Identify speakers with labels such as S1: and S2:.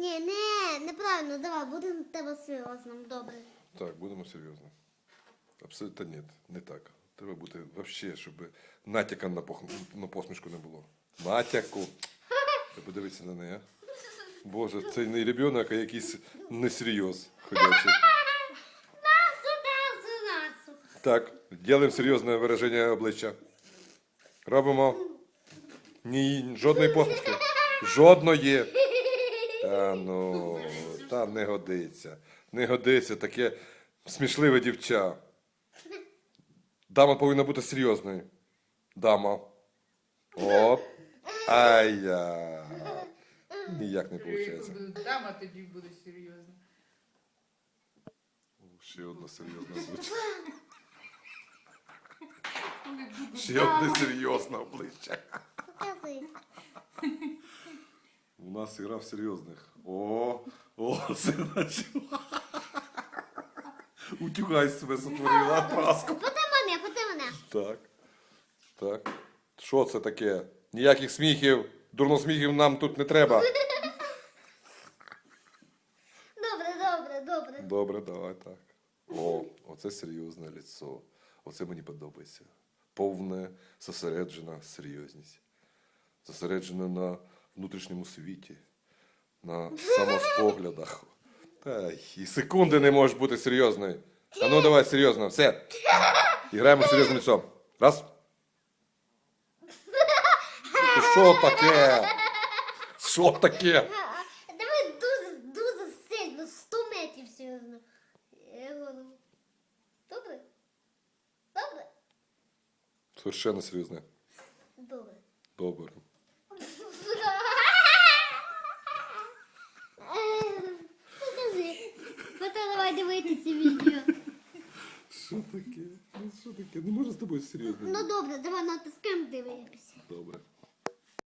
S1: Ні, неправильно, давай, будемо тебе серйозним, добре.
S2: Так, будемо серйозно. Абсолютно ні, не так. Треба бути взагалі, щоб натяка на посмішку не було. Натяку. Ти подивися на неї. Боже, це не ребенок, а якийсь несерйоз ходячий.
S1: Насу.
S2: Так, робимо серйозне вираження обличчя. Робимо. Ні, жодної посмішки. Жодної. Та не годиться. Не годиться таке смішливе дівча. Дама повинна бути серйозною. Дама. Оп. Ай-я. Ніяк не виходить.
S3: Дама тоді буде серйозна.
S2: Ще одна серйозна обличчя. Ще одне серйозне обличчя.
S1: Покажи.
S2: У нас ігра в серйозних. О, це начало. Утюгай себе сотворила праску.
S1: Поти мене.
S2: Так. Що це таке? Ніяких сміхів, дурносміхів нам тут не треба.
S1: Добре.
S2: Добре, давай так. О, оце серйозне лицо. Оце мені подобається. Повне, зосереджена серйозність. Зосереджена на внутрішньому світі, на самоспоглядах. Та і секунди не можеш бути серйозною. А ну давай серйозно, все. Іграємо серйозним лицом. Раз. Ти що таке? Що таке?
S1: Давай дуже сильно, 100 метрів серйозно. Добре?
S2: Совершенно серйозне.
S1: Добре.
S2: Добре.
S1: Покажи. Потім давай дивитися відео.
S2: Що таке? Що таке? Не можу з тобою серйозно.
S1: Ну добре, давай натискаємо дивитися.
S2: Добре.